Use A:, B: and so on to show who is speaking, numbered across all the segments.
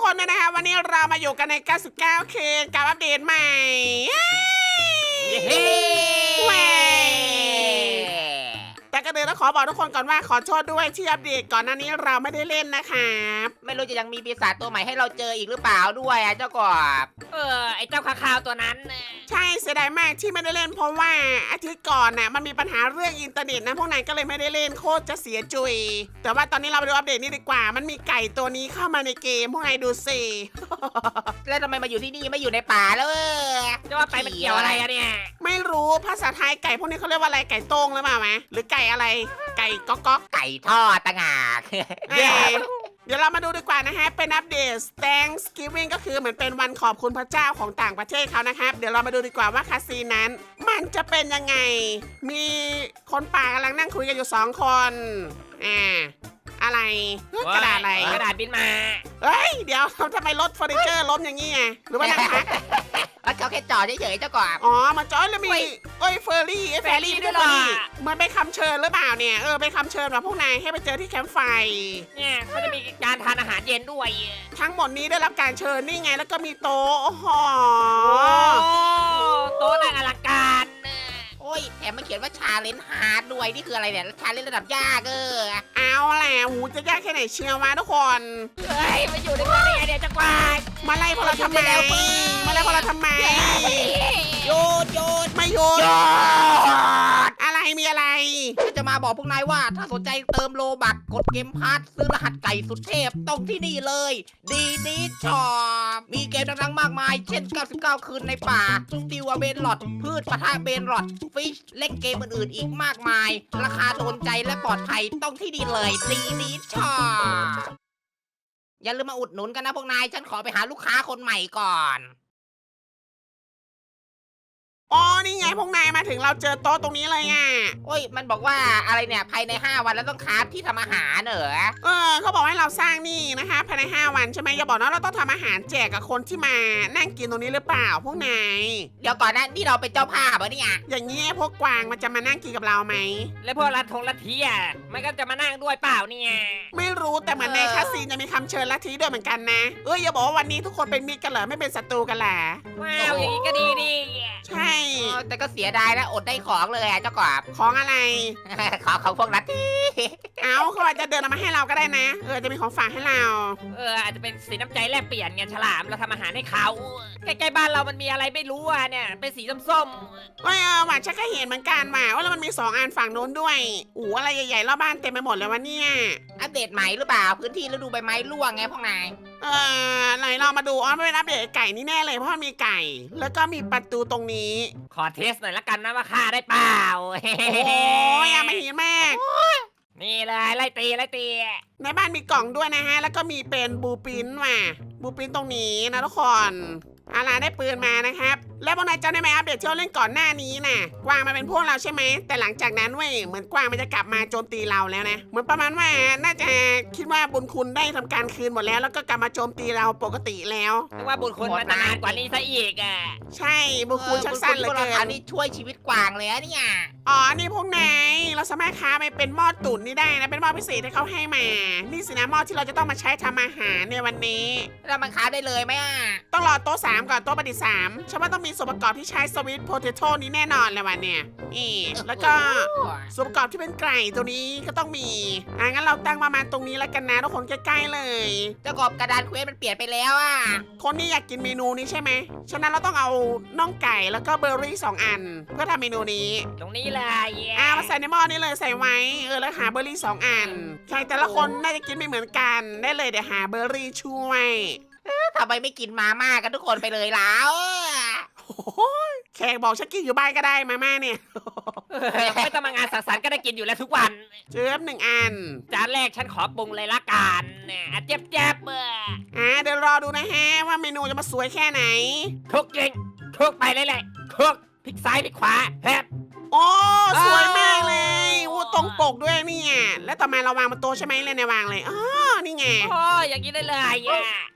A: คนด้วยนะคะวันนี้เรามาอยู่กันใน 99 คืนกับอัปเดตใหม่แหวแต่ก็เดินต้องขอบอกทุกคนก่อนว่าขอโทษด้วยที่อัปเดตก่อนหน้านี้เราไม่ได้เล่นนะครับ
B: ไม่รู้จะยังมีปีศาจตัวใหม่ให้เราเจออีกหรือเปล่าด้วยเจ้ากบ
C: ไอ้เจ้าคาคาวตัวนั้น
A: ใช่เสียดายมากที่ไม่ได้เล่นเพราะว่าอาทิตย์ก่อนน่ะมันมีปัญหาเรื่องอินเทอร์เน็ตนะพวกนายก็เลยไม่ได้เล่นโคตรจะเสียจุยแต่ว่าตอนนี้เราไปดูอัปเดตนี่ดีกว่ามันมีไก่ตัวนี้เข้ามาในเกมพวกนายดูสิ
B: แล้วทำไมมาอยู่ที่นี่ไม่อยู่ในป่าแล้ว
C: จะว่าไปมันเกี่ยวอะไรอะเนี่ย
A: ไม่รู้ภาษาไทยไก่พวกนี้เขาเรียกว่าอะไรไก่โต้งหรือเปล่าไหมหรือไก่อะไรไก่ก๊อกก๊อก
B: ไก่ทอดต่างหาก
A: เดี๋ยวเรามาดูดีกว่านะฮะเป็นอัปเดต Thanksgiving ก็คือเหมือนเป็นวันขอบคุณพระเจ้าของต่างประเทศเขานะครับเดี๋ยวเรามาดูดีกว่าว่าคาซีนั้นมันจะเป็นยังไงมีคนป่ากำลังนั่งคุยกันอยู่2คนอะไรกระดาษอะไร
C: กระดาษบินมา
A: เฮ้ยเดี๋ยวทำไมรถเฟอร์นิเจอร์ล้มอย่างงี้ไงหรือว่านั่งพัก
B: เขาแค่จอดเฉยๆเจ้ากบ
A: อ๋อมาจอดแล้วมีเฟอร์รี่ด้วยเหรอมันไปคำเชิญหรือเปล่าเนี่ยไปคำเชิญแบบพวกนายให้ไปเจอที่แคมป์ไฟ
C: เนี่ยเขาจะมีการทานอาหารเย็นด้วย
A: ทั้งหมดนี้ได้รับการเชิญนี่ไงแล้วก็มีโต๊ะ
C: โต๊ะน่าอลังการ
B: โอ้ยแถมมันเขียนว่าชาเลนจ์ฮาร์ดด้วยนี่คืออะไรเนี่ยชาเลนจ์ระดับยาก
A: เอาแหละหูจะยากแค่ไหนเชียวมาทุกคน
C: เฮ้ยมาอยู่ในเมืองได้ไงเนี่ยจักรวาล
A: มาไล่พวกเราทำไม
B: โยน
A: ไม่โยนอะไรมีอะไร
B: จะมาบอกพวกนายว่าถ้าสนใจเติมโลบักกดเกมพาร์ทซื้อรหัสไก่สุดเทพต้องที่นี่เลยดีดีช็อปมีเกมดังๆมากมายเช่น99คืนในป่าสติวเบนหลอดพืชปะทะเบนหลอดฟิชเล่นเกมอื่นๆอีกมากมายราคาโดนใจและปลอดภัยต้องที่นี่เลยดีดีช็อปอย่าลืมมาอุดหนุนกันนะพวกนายฉันขอไปหาลูกค้าคนใหม่ก่อน
A: อ๋อนี่ไงพวกนายมาถึงเราเจอโต๊ะตรงนี้เลย
B: โอ้ยมันบอกว่าอะไรเนี่ยภายใน5วันแล้วต้องคราฟที่ทำอาหาร
A: เขาบอกให้เราสร้างนี่นะคะภายใน5วันใช่ไหมอย่าบอกนะเราต้องทำอาหารแจกกับคนที่มานั่งกินตรงนี้หรือเปล่าพวกนาย
B: เดี๋ยวก่อนนะนี่เราเป็นเจ้าภาพเหรอเนี่ย
A: อย่างนี้พวกกวางมันจะมานั่งกินกับเราไหม
C: แล้วพวกลัทธิมันก็จะมานั่งด้วยเปล่าเนี่ย
A: ไม่รู้แต่เหมือนในคาซีนจะมีคำเชิญลัทธิด้วยเหมือนกันนะอย่าบอกว่าวันนี้ทุกคนเป็นมิตรกันเหรอไม่เป็นศัตรูกันแหละ
C: ว้าวอย่างนี้ก็ดี
A: ใช่
B: แต่ก็เสียดายนะอดได้ของเลยเจ้ากบ
A: ของอะไร
B: ของพวกนัทที่
A: เขาอาจจะเดินมาให้เราก็ได้นะจะมีของฝากให้เรา
C: อาจจะเป็นสีน้ำใจแลกเปลี่ยนไงฉลามเราทำอาหารให้เขาใกล้ๆบ้านเรามันมีอะไรไม่รู้เนี่ยเป็นสีส้ม
A: หวานชักก็เห็นเหมือนกันว่าแล้วมันมี2อันฝั่งโน้นด้วยอะไรใหญ่ๆรอบบ้านเต็มไปหมดเลยวะเนี่ย
B: อัปเดตใหม่หรือเปล่าพื้นที่ฤดูใบไม้ร่วงไงพวกนาย
A: ไหนเรามาดูไม่เป็นอัปเดตไก่นี่แน่เลยเพราะมันมีไก่แล้วก็มีประตูตรงนี้
C: ขอเทสหน่อยละกันนะว่าฆ่าได้เปล่า
A: โอ้ยไม่เห็นมาก
C: นี่เลยไล่ตี
A: ในบ้านมีกล่องด้วยนะฮะแล้วก็มีเป็นบูปินบูปินตรงนี้นะทุกคนได้ปืนมานะครับแล้วพวกนายจำได้ไหมอัปเดตที่เราเล่นก่อนหน้านี้น่ะกวางมาเป็นพวกเราใช่ไหมแต่หลังจากนั้นเหมือนกวางมันจะกลับมาโจมตีเราแล้วนะเหมือนประมาณว่าน่าจะคิดว่าบุญคุณได้ทำการคืนหมดแล้วแล้วก็กลับมาโจมตีเราปกติแล้ว
C: ว่าบุญคุณมันนานกว่านี้ซะอีก
A: ใช่บุญคุณชักสั้นเลยเกิน
B: อันนี้ช่วยชีวิตกวางเลยเนี่ย
A: นี่พวกนายเราสามารถค้าไปเป็นหม้อตุ๋นนี่ได้นะเป็นหม้อพิเศษที่เขาให้มานี่สินะหม้อที่เราจะต้องมาใช้ทำอาหารในวันนี้
B: เรามันค้าได้เลยไหม
A: ต้องรอโต๊ะ3ก่อนโต๊ะประดิษฐ์3ฉันว่าต้องมีส่วนประกอบที่ใช้สวิตโพเทโต้นี้แน่นอนเลยวันเนี่ยแล้วก็ส่วนประกอบที่เป็นไก่ตัวนี้ก็ต้องมีงั้นเราตั้งประมาณตรงนี้แล้วกันนะทุกคนใกล้ๆเลย
B: เจ้ากบกระดานเควสมันเปลี่ยนไปแล้ว
A: คนนี้อยากกินเมนูนี้ใช่ไหมฉะนั้นเราต้องเอาน่องไก่แล้วก็เบอร์รี่2อันเพื่อทำเมนูนี้
C: ตรงนี้เลย
A: มาใส่ในหม้อนี้เลยใส่ไว้แล้วหาเบอร์รี่2อันใช่แต่ละคนน่าจะกินไม่เหมือนกันได้เลยเดี๋ยวหาเบอร์รี่ช่วย
B: ทำไมไม่กินมาม่ากันทุกคนไปเลยแล้ว
A: แขกบอกฉันกินอยู่บ้านก็ได้มาม่าเนี่ย
C: ไม่ต้องมางานสังสรรค์ก็ได้กินอยู่แล้วทุกวัน
A: เจี๊ยบ1อัน
C: จานแรกฉันขอปรุงเลยละกันเจี๊ยบเ
A: ดี๋ยวรอดูนะฮะว่าเมนูจะมาสวยแค่ไหน
C: คุกจริงคุกไปเลยคุกพลิกซ้ายพลิกขวา
A: โอ้สวยมากเลยตรงปกด้วยเนี่ยแล้วต่อมาเราวางบนโต๊ะใช่ไหมเลยในวางเลยนี่ไง
C: อย่างนี้ได้เลย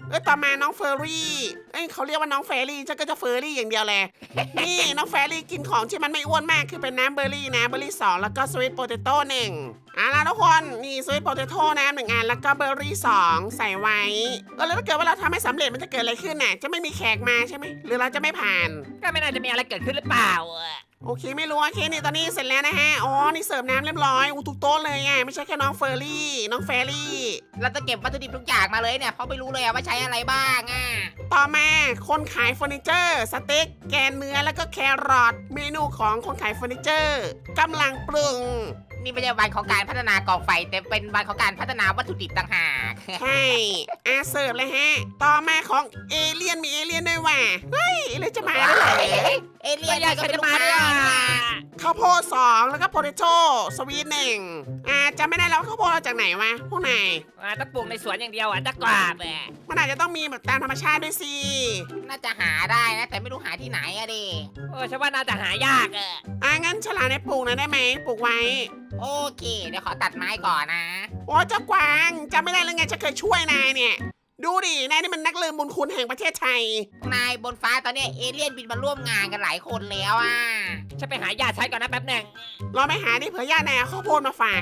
A: ต่อมาน้องเฟอร์รี่เขาเรียกว่าน้องเฟรรี่ฉันก็จะเฟอร์รี่อย่างเดียวแหละ นี่น้องเฟรรี่กินของที่มันไม่อ้วนมากคือเป็นน้ำเบอร์รี่นะเบอร์รี่2แล้วก็สวีทโปเตโต้1ล่ะทุกคนนี่สวีทโปเตโต้น้ำ1อันแล้วก็เบอร์รี่2ใส่ไว้แล้วถ้าเกิดว่าเราทำให้สำเร็จมันจะเกิดอะไรขึ้นน่ะจะไม่มีแขกมาใช่ไหมหรือเราจะไม่ผ่าน
C: ก็ไม่น่าจะมีอะไรเกิดขึ้นหรือเปล่า
A: โอเคไม่รู้โอเคนี่ตอนนี้เสร็จแล้วนะฮะอ๋อนี่เสิร์ฟน้ำเรียบร้อยทุกโต๊ะเลยไม่ใช่แค่น้องเฟอร์รี่น้องเฟรรี่
B: เราจะเก็บวัตถุดิบทุกอย่างมาเลยเนี่ยเพราะไม่รู้เลยว่าใช้อะไรบ้างอ่ะ
A: ต่อมาคนขายเฟอร์นิเจอร์สเต็กแกนเนื้อแล้วก็แครอทเมนูของคนขายเฟอร์นิเจอร์กำลังปรุง
B: นี่ไม่ใช่วันของการพัฒนากองไฟแต่เป็นวันของการพัฒนาวัตถุดิบต่างหาก
A: ใช่เสิร์ฟเลยฮะต่อมาของเอเลี่ยนมีเอเลี่ยนด้วยว่ะเฮ้ยเอเลี่ยนจะมาด้วยเหรอ
B: เอเลี่ยน
C: อยาก
B: ก็เป็น
C: จะ
B: ลูก
C: มา
B: ค้า
C: ด้วย
A: ข้าวโพด2แล้วก็โพเตโต้สวีท1จำไม่ได้แล้วข้าวโพดเอาจากไหนวะพวกนาย
C: ต้องปลูกในสวนอย่างเดียวจะกราบ
A: มันอาจจะต้องมีแบบตามธรรมชาติด้วยสิ
B: น่าจะหาได้นะแต่ไม่รู้หาที่ไหนอะดิ
C: ฉันว่าน่าจะหายาก
A: งั้นฉลามในปลูกหนะได้ไหมปลูกไว้
B: โอเคเดี๋ยวขอตัดไม้ก่อนนะ
A: โอ้เจ้ากวางจำไม่ได้เลยไงจะเคยช่วยนายเนี่ย ดูดินายนี่มันนักลืมบุญคุณแห่งประเทศไทย
B: นายบนฟ้าตอนเนี้ยเอเลี่ยนบินมาร่วมงานกันหลายคนแล้วอ่ะ
C: ฉันไปหายาใช้ก่อนนะแป๊บหนึ่ง
A: เราไปหาดิเผื่อญาตินายเอาข้าวโพดมาฝาก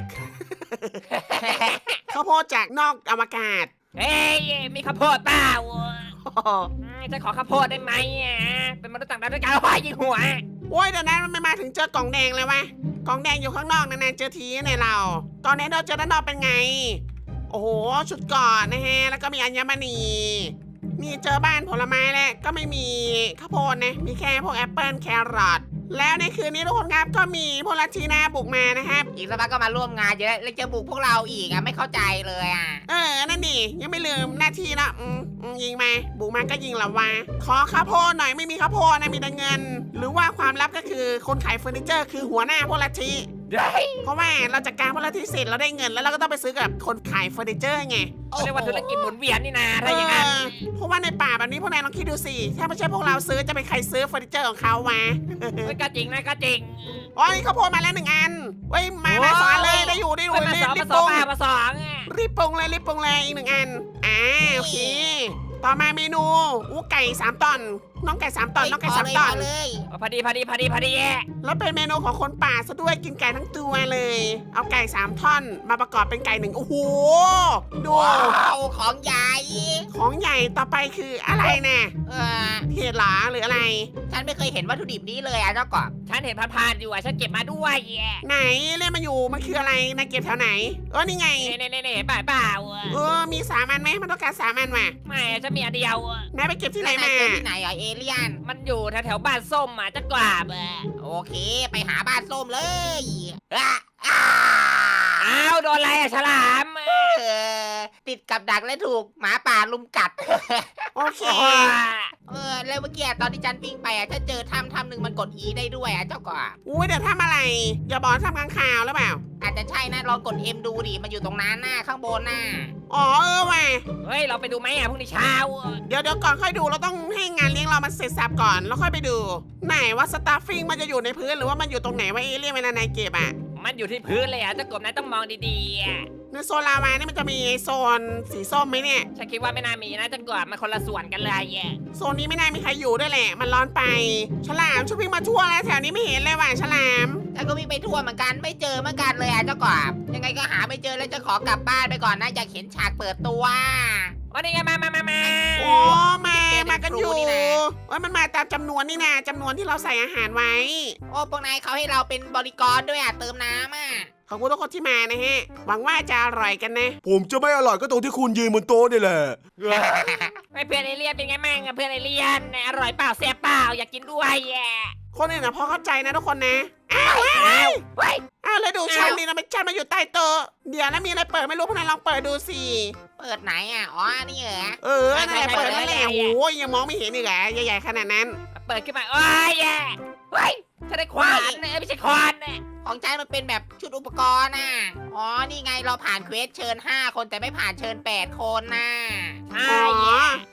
A: ข้าวโพดจากนอกอวกาศ
C: เฮ้ยมีข้าวโพดเปล่าจะขอข้าวโพดได้ไหมเป็นมนุษย์ต่างดาวด้วยกันยิงหัว
A: โอ้ยเดี๋ยวนั้นมันไม่มาถึงเจอกล่องแดงเลยวะกล่องแดงอยู่ข้างนอกนานๆเจอทีในเราตอนนี้เราเจอด้านนอกเป็นไง โอ้โหชุดเกาะนะฮะแล้วก็มีอัญมณีนี่เจอบ้านผลไม้แล้วก็ไม่มีข้าวโพดนะมีแค่พวกแอปเปิลแครอทแล้วในคืนนี้ทุกคนครับก็มีพวกลัทธินาบุกมานะครับ
B: อีกสักพักก็มาร่วมงานเยอะแล้วจะบุกพวกเราอีกอ่ะไม่เข้าใจเลยอ่ะ
A: นั่นดิยังไม่ลืมหน้าที่นะยิงมาบุกมาก็ยิงเหรอวะขอข้าวโพดหน่อยไม่มีข้าวโพดนะมีแต่เงิน หรือว่าความลับก็คือคนขายเฟอร์นิเจอร์คือหัวหน้าพวกลัทธิเพราะว่าเราจัดการพวกลัทธิเสร็จเราได้เงินแล้วเราก็ต้องไปซื้อกับคนขายเฟอร์นิเจอร์ไง
C: เขาเรียกว่าธุรกิจหมุนเวียนนี่นาถ้าอย่างนั้น
A: เพราะว่าในป่าแบบนี้พวกนายลองคิดดูสิถ้าไม่ใช่พวกเราซื้อจะเป็นใครซื้อเฟอร์นิเจอร์ของเขาวะ
C: ก็จริงนะก็จริง
A: อ๋อนี่ข้าวโพดมาแล้ว1 อันเว้ยมาสองอันเลยได้อยู่
C: มา
A: รี
C: สอง
A: บ
C: มา
A: ป
C: สอ
A: รุ
C: ง
A: ง
C: มาสอง
A: รีบปรุงเลยอีก1 อันโอเคต่อมาเมนูไก่3 ตอนน้องไก่3 ตอนน้องไก่3 ตอน
B: เลย
C: พอดี
A: แล้วเป็นเมนูของคนป่าซะด้วยกินไก่ทั้งตัวเลย เอาไก่3 ท่อนมาประกอบเป็นไก่1โอ้โหดู
B: ว้าวของใหญ่
A: ของใหญ่ต่อไปคืออะไรน่ะ
B: เออ
A: เห็ดเหรอหรืออะไร
B: ฉันไม่เคยเห็นวัตถุดิบนี้เลยอ่ะเจ้ากบ
C: ฉันเห็นผ่านๆอยู่ฉันเก็บมาด้วย
A: ไหนเล่นมาอยู่มันคืออะไรนายเก็บแถวไหนนี่ไง
C: นี่เปล่า
A: มี3 อันไหมมันต้องการ3 อันว่ะ
C: ไม่ฉันมีอันเดียวน
A: ายไปเก็บที่ไหน
B: แล้ว
A: มา
B: เจอที่ไหนอ่ะเอเลี่ยน
C: มันอยู่แถวบ้านส้มจะกราบ
B: โอเค ไปหาบ้านส้มเลยอ่ะ
C: อ้าวโดนอะไรฉลาม
B: เออติดกับดักและถูกหมาป่าลุมกัด
A: โอเค
B: แล้วเมื่อกี้ตอนที่ฉันวิ่งไปอ่ะฉันเจอถ้ำหนึ่งมันกด E ได้ด้วยอ่ะเจ้ากบ
A: อุ้ยเดี๋ยวทำอะไรอย่าบอกทำกลางข่าวหรือเปล่า
B: อาจจะใช่นะลองกด M ดูดิมันอยู่ตรงนั้นหน้าข้างบนน่ะ
A: อ๋อว่ะ
C: เฮ้ยเราไปดูไหมพรุ่งนี้เช้า
A: เดี๋ยวก่อนค่อยดูเราต้องให้งานเลี้ยงเรามันเสร็จสับก่อนแล้วค่อยไปดู ไหนว่าสตาฟฟิ้งมันจะอยู่ในพื้นหรือว่ามันอยู่ตรงไหนว่าเอเลี่ยนเวลานายเก็บอ่ะ
C: มันอยู่ที่พื้นเลยเจ้ากบนายต้องมองดี
A: ในโซนลาวานี่มันจะมีโซนสีส้มไหมเนี่ย
C: ๆฉันคิดว่าไม่น่ามีนะเจ้ากบมันคนละส่วนกันเลย
A: โซนนี้ไม่น่ามีใครอยู่ด้วยแหละ มันร้อนไป ฉลามช่วยวิ่งมาทั่วแล้วแถวนี้ไม่เห็นเลยว่ะฉลาม
B: ฉันก็วิ่งไปทั่วเหมือนกันไม่เจอเหมือนกันเลยอ่ะเจ้ากบยังไงก็หาไม่เจอแล้วจะขอกลับบ้านไปก่อนนะอยากเห็นฉากเปิดตัว
C: นี่ไงมา
A: โอ้มากันอยู่ว่ามันมาตามจำนวนนี่นะจำนวนที่เราใส่อาหารไว้
B: โอ้พวกนายเขาให้เราเป็นบริกรด้วยอ่ะเติมน้ำอ่ะ
A: ขอบคุณทุกคนที่มานะฮะ หวังว่าจะอร่อยกันนะ
D: ผมจะไม่อร่อยก็ตรงที่คุณยืนบนโต๊ะนี่แหละ
C: ไม่เพื่อนเอเลี่ยนเป็นไงมั่งเพื่อนเอเลี่ยนอร่อยเปล่าแซ่บเปล่าอยากกินด้วย
A: คนอื่นนะพอเข้าใจนะทุกคนนะ
C: อ้าว
A: แล้วดูชั้นนี่นะมันชั้นมาอยู่ใต้โต๊ะเดี๋ยวแล้วมีอะไรเปิดไม่รู้พวกนายลองเปิดดูสิ
B: เปิดไหนอ่ะอ๋อนี่เหรอ
A: นั่นแหละเปิดนั่นแหละโอ้ยยังมองไม่เห็นอีกเหรอใหญ่ๆขนาดนั้น
C: เปิดขึ้นมาโอ้ยเฮ้ยฉันได้ควานไม่ใช่คอน
B: ของฉันมันเป็นแบบชุดอุปกรณ์น่ะอ๋อนี่ไงเราผ่านเควสเชิญ5 คนแต่ไม่ผ่านเชิญ8 คนน่ะ
C: ใช่
A: คือถ้า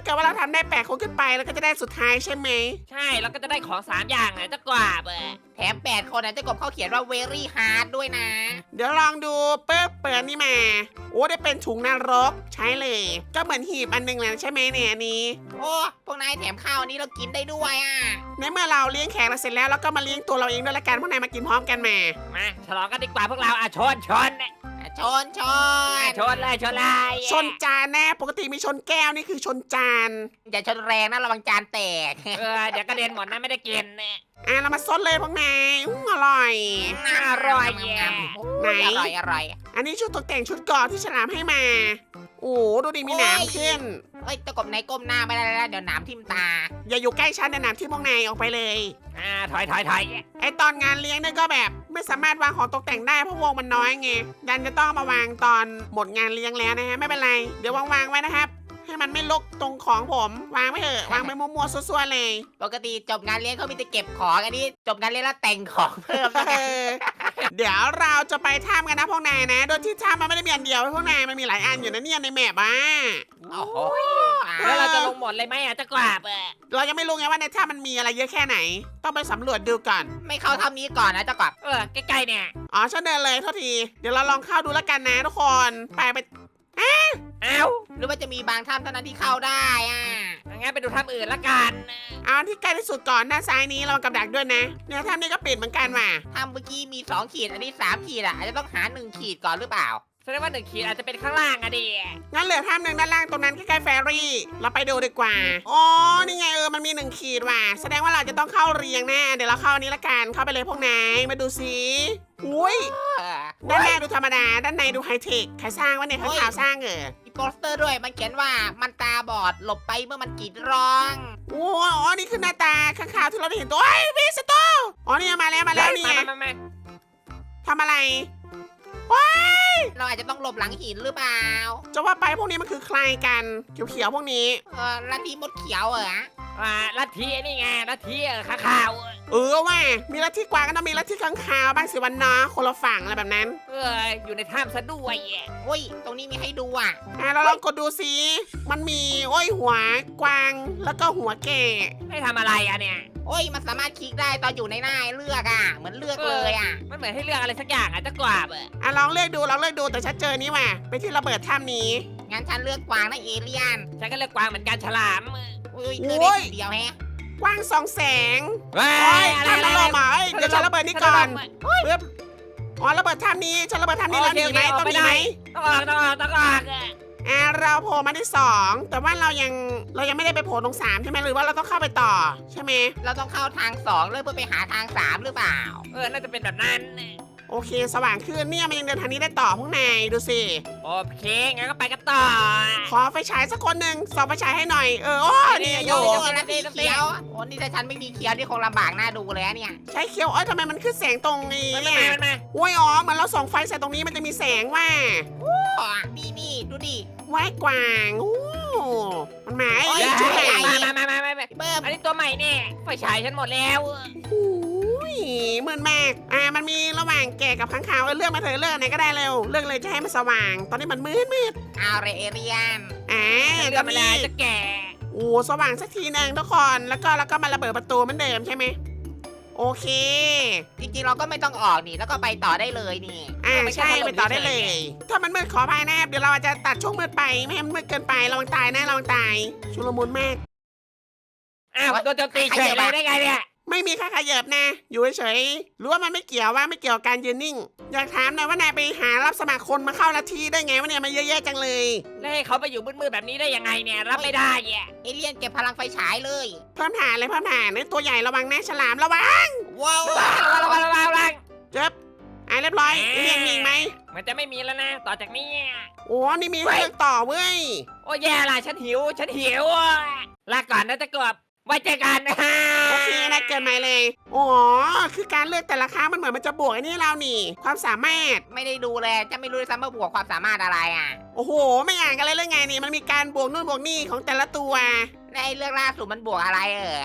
A: เกิดว่าเราทำได้8คนขึ้นไปเราก็จะได้สุดท้ายใช่ไหม
C: ใช่แล้วก็จะได้ของ3อย่างอ่ะเจ้ากวาบ
B: แถม8คนนะเจ้ากบเขาเขียนว่า very hard ด้วยนะ
A: เดี๋ยวลองดูปึ๊บเปิดนี่มาโอ้ได้เป็นถุงนรกใช้เลย ก็เหมือนหีบอันหนึ่งแหละใช่ไหมเนี่ยอันนี้
B: โอ้พวกนายแถมข้าวอันนี้เรากินได้ด้วยอ่ะ
A: ในเมื่อเราเลี้ยงแขกเราเสร็จแล้วเราก็มาเลี้ยงตัวเราเองด้วยละกันพวกนายมากินพร้อมกันมา
C: มาฉลองกันดีกว่าพวกเราอ่ะชน
B: ชน
C: ชนเลยชนเลย
A: ชนจานนะปกติมีชนแก้วนี่คือชนจาน
B: อย่าชนแรงนะระวังจานแตก
C: เดี๋ยวกระเด็นหมดนะไม่ได้กิน
A: เรามาซดเลยพวกนายอร่อย
C: อร่อยแย่
A: ไหน
B: อร่อย
A: อันนี้ชุดตกแต่งชุดเกราะที่ฉลามให้มา โอ้ดูดิมีหนามขึ้น
B: เอ้ยเจ้ากบนายก้มหน้าไม่ได้แล้วเดี๋ยวหนามทิ่มตา
A: อย่าอยู่ใกล้ฉันนะหนามที่พวกนายออกไปเลย
C: ถอย
A: ไอตอนงานเลี้ยงเนี่ยก็แบบไม่สามารถวางของตกแต่งได้เพราะวงมันน้อยไงดันจะต้องมาวางตอนหมดงานเลี้ยงแล้วนะฮะไม่เป็นไรเดี๋ยววางไว้นะครับ ให้มันไม่ลกตรงของผมวางไว้เถอะวางไปมั่วๆซั่วๆเลย
B: ปกติจบงานเลี้ยงเขามีแต่เก็บของอันนี้จบงานเลี้ยงแล้วแต่งของเพิ่มแล้วกัน
A: เดี๋ยวเราจะไปถ้ำกันนะพวกนายนะ โดยที่ถ้ำมันไม่ได้มีอันเดียวพวกนายมันมีหลายอันอยู่นะเนี่ยในแมปอ่ะ
B: โอ้โห
C: แล้วเราจะลงหมดเลยไหมอ่ะเจ้ากวาบ
A: เรายังไม่รู้ไงว่าในถ้ำมันมีอะไรเยอะแค่ไหน ต้องไปสำรวจดูก่อน
B: ไม่เข้าทำนี้ก่อนนะเจ้ากบ
C: ใกล้ๆเนี่ย
A: อ๋อฉันเดินเลยเท่าทีเดี๋ยวเราลองเข้าดูแล้วกันนะทุกคน ไป
C: เอ้า
B: หรือว่าจะมีบางถ้ำเท่านั้นที่เข้าได้อ่ะ
C: งั้นไปดูถ้ำอื่นละกัน
A: เอาที่ใกล้ที่สุดก่อนด้านซ้ายนี้เรากับดักด้วยนะเนี่ยถ้ำนี้ก็ปิดเหมือนกันว่ะ
B: ถ้ำเมื่อกี้มี2ขีดอันนี้3ขีดอ่ะอาจจะต้องหา1ขีดก่อนหรือเปล่า
C: แสดงว่า1 ขีดอาจจะเป็นข้างล่างอะดิ
A: งั้นเหลือถ้ำหนึ่งด้านล่างตรงนั้นใกล้ๆแฟรี่เราไปดูดีกว่าอ๋อนี่ไงมันมี1ขีดว่ะแสดงว่าเราจะต้องเข้าเรียงแน่เดี๋ยวเราเข้าอันนี้ละกันเข้าไปเลยพวกนายมาดูสิอุ้ย ด้านหน้าดูธรรมดา ด้านในดูไฮเทค ใครสร้างวะเนี่ยข้างข่าวสร้างเหรอ
B: มีโปสเตอร์ด้วยมันเขียนว่ามันตาบอดหลบไปเมื่อมันกรีดร้อง
A: โอ้อ๋อ นี่คือหน้าตาข้างข่าวที่เราได้เห็นตัวไอ้ยวิสโตอ๋อนี่มาแล้วนี่ไง
C: มา
A: ทำอะไร
B: เราอาจจะต้องหลบหลังหินหรือเปล่า
A: จะว่าไปพวกนี้มันคือใครกัน เขียวๆพวกนี้
B: ลัทธิมดเขียวเหรอ
C: ลัทธินี่ไงลัทธิข้าข่าว
A: ว่ามีลัทธิกวางก็ต้องมีลัทธิข้างข่าวบ้างสิวันเนาะคนละฝั่งอะไรแบบนั้น
C: อยู่ในถ้ำซะด้วย
B: อุ้ยตรงนี้มีให้ดูอ่ะ
A: เราลองกดดูสิมันมีหัวกวางแล้วก็หัวแก่
C: ให้ทำอะไรอะเนี่ย
B: โอ้ยมันสามารถคลิกได้ตอนอยู่ในหน้าให้เลือกอ่ะเหมือนเลือกเลยอ่ะ
C: มันเหมือนให้เลือกอะไรสักอย่างอะเจ้ากวาบ
A: ลองเลือกดูแต่ฉันเจอนี่ว่ะไปที่ระเบิดถ้ำนี้
B: งั้นฉันเลือกกวางนะเอเลี่ยน
C: ฉันก็เลือกกวางเหมือนกันฉลาม
B: อุ้ยเธอได้ทีเดียวแฮะ
A: กว้างสองแสง
C: ว้า
A: โอ้ย
C: อะไร
A: ทำระเบิดมาเดี๋ยวฉันระเบิดนี่ก่อนปึ๊บอ๋อระเบิดถ้ำนี้ฉันระเบิดถ้ำนี้แล้วหนีไหมต้องหนีไหม
C: ต้องออก
A: เราโผล่มาที่2แต่ว่าเรายังไม่ได้ไปโผล่ตรง3ใช่ไหมหรือว่าเราต้องเข้าไปต่อใช่ไหม
B: เราต้องเข้าทาง2เลยเพื่อไปหาทาง3หรือเปล่า
C: น่าจะเป็นแบบนั้น
A: โอเคสว่างขึ้นเนี่ยมันยังเดินทางนี้ได้ต่อพวกนายดูสิ
C: โอเคงั้นก็ไปกันต่อ
A: ขอไฟฉายสักคนหนึ่งส่องไฟฉายให้หน่อยนี่โย
B: โอ้ลัทธิเขียวโอ้นี่ถ้าฉันไม่มีเขียวนี่คงลำบากหน้าดูเลยเนี่ย
A: ใช้เคียวทำไมมันขึ้นแสงตรงนี้
C: มัน
A: เนี่ย
C: มา
A: เหมือนเราส่องไฟใส่ตรงนี้มันจะมีแสงว่า
B: นี่ดูดิ
A: ว่ายกวางมันมา
B: โอ้ย
A: ชุดไหน
C: มา
B: เบิ้ม
C: อันนี้ตัวใหม่เนี่ยไฟฉายฉันหมดแล้ว
A: มืดมากมันมีระหว่างแก่กับค้างคาวเลือกมาเถอะเลือกไหนก็ได้เร็วเลือกเลยจะให้มันสว่าง ตอนนี้มันมืด
B: เอาเรเอเรียน
C: เลือกมาแล้วจะแก่
A: สว่างสักทีนึงทุกคนแล้วก็มาระเบิดประตูเหมือนเดิมใช่ไหมโอเค
B: จริงๆเราก็ไม่ต้องออกนี่แล้วก็ไปต่อได้เลยนี่
A: ใช่ไปต่อได้เลย ถ้ามันมืดขออภัยนะครับเดี๋ยวเราอาจจะตัดช่วงมืดไปไม่ให้มันมืดเกินไประวังตายนะระวังตายชุลมุนมาก
C: อ้าวโดนโจมตีเฉยเลยได้ไงเนี่ย
A: ไม่มีค่าขยับนะ อยู่เฉยๆรู้ว่ามันไม่เกี่ยวกับการยืนนิ่ง อยากถามหน่อยว่านายไปหารับสมัครคนมาเข้าลัทธิได้ไงวะเนี่ยมาเยอะแยะจังเลย
C: แล้วให้เขาไปอยู่มืดๆแบบนี้ได้ยังไงเนี่ยรับไม่ได้แย่
B: เอเลี่ยนเก็บพลังไฟฉายเลย
A: เพิ่มฐานเลยเพิ่มฐานตัวใหญ่ระวังนะฉลามระวัง
B: ว้าว
C: ระวัง
A: เจ็บเรียบร้อยเรียงมีไหม
C: มันจะไม่มีแล้วนะต่อจากนี้
A: นี่มีให้เลือกต่อเว้ย
C: โอ้แย่ละฉันหิวลาก่อนนะจะกบไว้เจอกันนะ
A: โอเคนะเกินใหม่เลยคือการเลือกแต่ละครั้งมันเหมือนมันจะบวกไอ้นี่เรานี่ ความสามารถ
B: ไม่ได้ดูเลยจะไม่รู้ด้วยซ้ำว่าบวกความสามารถอะไรอ่ะ
A: โอ้โหไม่อ่านกันเลยเรื่องไงนี่มันมีการบวกนู่นบวกนี่ของแต่ละตัว
B: ในเรื่องล่าสุดมันบวกอะไร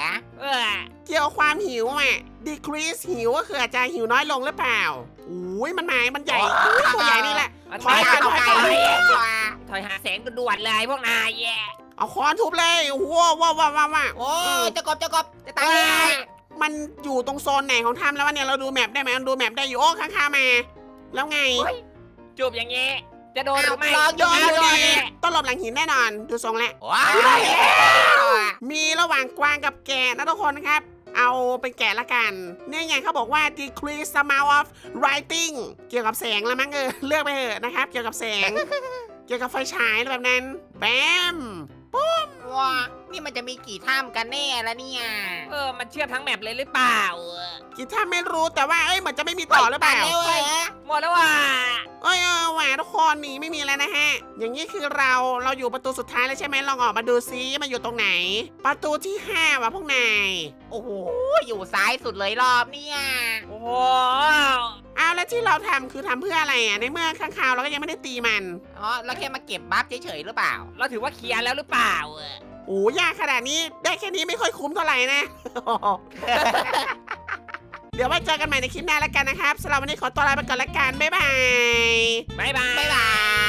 A: เกี่ยวกับความหิวdecrease หิวก็คืออาจจะหิวน้อยลงหรือเปล่ามันหมายมันใหญ่ตัวใหญ่นี่แหละ
C: ถอยหาแสงด่วนเลยพวกนายแย่
A: เอาค้อนทุบเลยว้าวว้าวว้าวว้าว
B: โอ้เจะกบจะตายแล้ว
A: มันอยู่ตรงโซนไหนของถ้ำแล้ววะเนี่ยเราดูแมปได้ไหมดูแมปได้อยู่โอ้ข้างๆมา แล้วไง
C: จูบอย่างเงี้ยจะโดนหรือไม่
A: โดน
C: โด
A: โด
C: น
A: นต้องหลบหลังหินแน่นอนดูทรงแล้ว
B: ว้าว
A: มีระหว่างกวางกับแกะนะทุกคนครับ เอาเป็นแกะละกันเนี่ยไงเขาบอกว่า decrease amount of writing เกี่ยวกับแสงแล้วมั้งเลือกไปเถอะนะครับ เกี่ยวกับแสง เกี่ยวกับไฟฉายอะไรแบบนั้นแบม
B: ว้านี่มันจะมีกี่ถ้ำกันแน่ละเนี่ย
C: มันเชื่อมทั้งแมปเลยหรือเปล่า
A: กิจถ้าไม่รู้แต่ว่าเหมือนจะไม่มีต่อหรือเปล่า
B: ตยแล้วเหรอ
C: หมดแล้วว่ะ
A: แหวทุกคนหนีไม่มีแล้วนะฮะ อย่างนี้คือเราอยู่ประตูสุดท้ายแล้วใช่ไหมลองออกมาดูซิมันอยู่ตรงไหน ประตูที่5ว่ะพวกนาย
B: โอ้โหอยู่ซ้ายสุดเลยรอบเนี่ย
C: โอ้โห
A: เอาแล้วที่เราทำคือทำเพื่ออะไรอ่ะในเมื่อข้างคาวเราก็ยังไม่ได้ตีมัน
B: อ๋อเราแค่มาเก็บบัฟเฉยๆหรือเปล่า
C: เราถือว่าเคลียร์แล้วหรือเปล่า
A: โอ้ยากขนาดนี้ได้แค่นี้ไม่ค่อยคุ้มเท่าไหร่นะ เดี๋ยวไว้เจอกันใหม่ในคลิปหน้าแล้วกันนะครับสำหรับวันนี้ขอตัวลาไปก่อนละกันบ๊ายบาย
C: บ๊ายบาย
B: บ๊ายบาย